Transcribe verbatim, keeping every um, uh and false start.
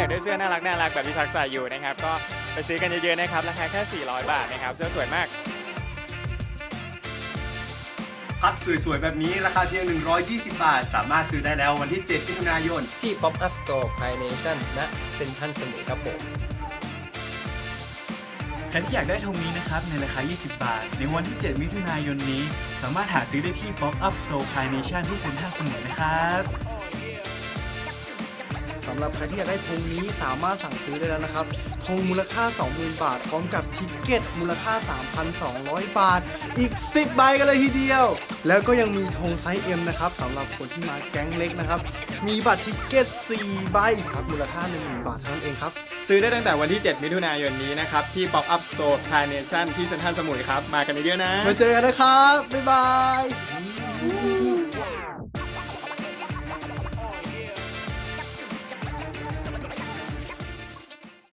อยากได้เสื้อน่ารักน่ารักแบบที่ชักใส่อยู่นะครับก็ไปซื้อกันเยอะๆนะครับราคาแค่สี่ร้อยบาทนะครับเสื้อสวยมากพัดสวยๆแบบนี้ราคาเพียงหนึ่งร้อยยี่สิบบาทสามารถซื้อได้แล้ววันที่เจ็ดมิถุนายนที่ Pop Up Store Pie Nation ณเซ็นทรัลสมุยครับผมใครที่อยากได้ธงนี้นะครับในราคายี่สิบบาทในวันที่เจ็ดมิถุนายนนี้สามารถหาซื้อได้ที่ Pop Up Store Pie Nation ที่เซ็นทรัลสมุยนะครับสำหรับใครที่อยากได้ธงนี้สามารถสั่งซื้อได้แล้วนะครับธงมูลค่า สองหมื่น บาทพร้อมกับทิกเก็ตมูลค่า สามพันสองร้อย บาทอีกสิบใบกันเลยทีเดียวแล้วก็ยังมีธงไซส์ เอ็ม นะครับสำหรับคนที่มาแก๊งเล็กนะครับมีบัตรทิกเก็ตสี่ใบครับมูลค่า หนึ่งหมื่น บาทเท่านั้นเองครับซื้อได้ตั้งแต่วันที่เจ็ดมิถุนายนนี้นะครับที่ Pop Up Store Pie Nation ที่เซ็นทรัลสมุยครับมากันเยอะๆนะมาเจอกันนะครับบ๊ายบาย